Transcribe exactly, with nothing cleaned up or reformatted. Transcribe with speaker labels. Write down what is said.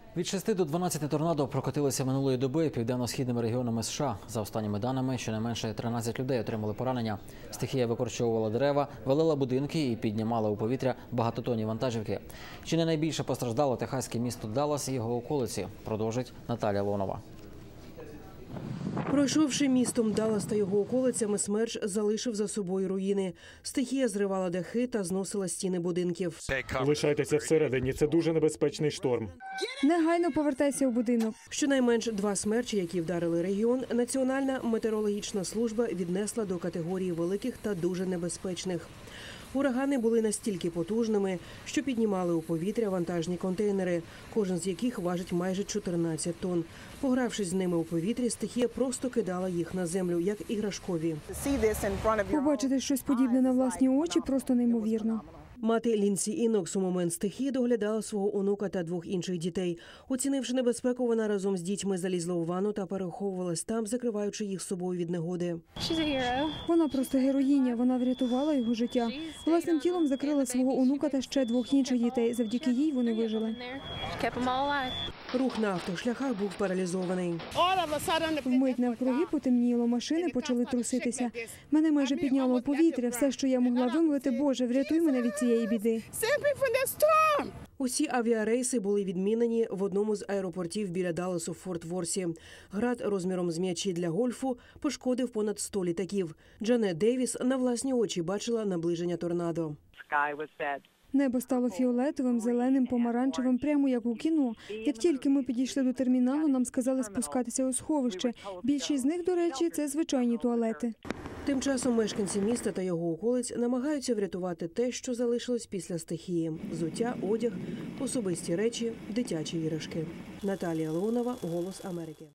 Speaker 1: Від шести до дванадцяти торнадо прокотилися минулої доби південно-східними регіонами США. За останніми даними, щонайменше тринадцять людей отримали поранення. Стихія викорчовувала дерева, валила будинки і піднімала у повітря багатотонні вантажівки. Чи не найбільше постраждало техаське місто Даллас і його околиці, продовжить Наталія Леонова.
Speaker 2: Пройшовши містом Даллас та його околицями, смерч залишив за собою руїни. Стихія зривала дахи та зносила стіни будинків.
Speaker 3: Лишайтеся всередині, це дуже небезпечний шторм.
Speaker 4: Негайно повертайся у будинок.
Speaker 2: Щонайменш два смерчі, які вдарили регіон, Національна метеорологічна служба віднесла до категорії великих та дуже небезпечних. Урагани були настільки потужними, що піднімали у повітря вантажні контейнери, кожен з яких важить майже чотирнадцять тонн. Погравшись з ними у повітрі, стихія просто кидала їх на землю, як іграшкові.
Speaker 4: Побачити щось подібне на власні очі просто неймовірно.
Speaker 2: Мати Лінсі Інокс у момент стихії доглядала свого онука та двох інших дітей. Оцінивши небезпеку, вона разом з дітьми залізла у ванну та переховувалась там, закриваючи їх собою від негоди.
Speaker 4: Вона просто героїня, вона врятувала його життя. Власним тілом закрила свого онука та ще двох інших дітей. Завдяки їй вони вижили.
Speaker 2: Рух на автошляхах був паралізований.
Speaker 4: Вмить навкруги потемніло, машини почали труситися. Мене майже підняло у повітря. Все, що я могла вимовити: Боже, врятуй мене від цієї біди.
Speaker 2: Усі авіарейси були відмінені в одному з аеропортів біля Далласу в Форт-Ворсі. Град розміром з м'ячі для гольфу пошкодив понад сто літаків. Джанет Дейвіс на власні очі бачила наближення торнадо.
Speaker 4: Небо стало фіолетовим, зеленим, помаранчевим, прямо як у кіно. Як тільки ми підійшли до терміналу, нам сказали спускатися у сховище. Більшість з них, до речі, це звичайні туалети.
Speaker 2: Тим часом мешканці міста та його околиць намагаються врятувати те, що залишилось після стихії – взуття, одяг, особисті речі, дитячі іграшки. Наталія Леонова, «Голос Америки».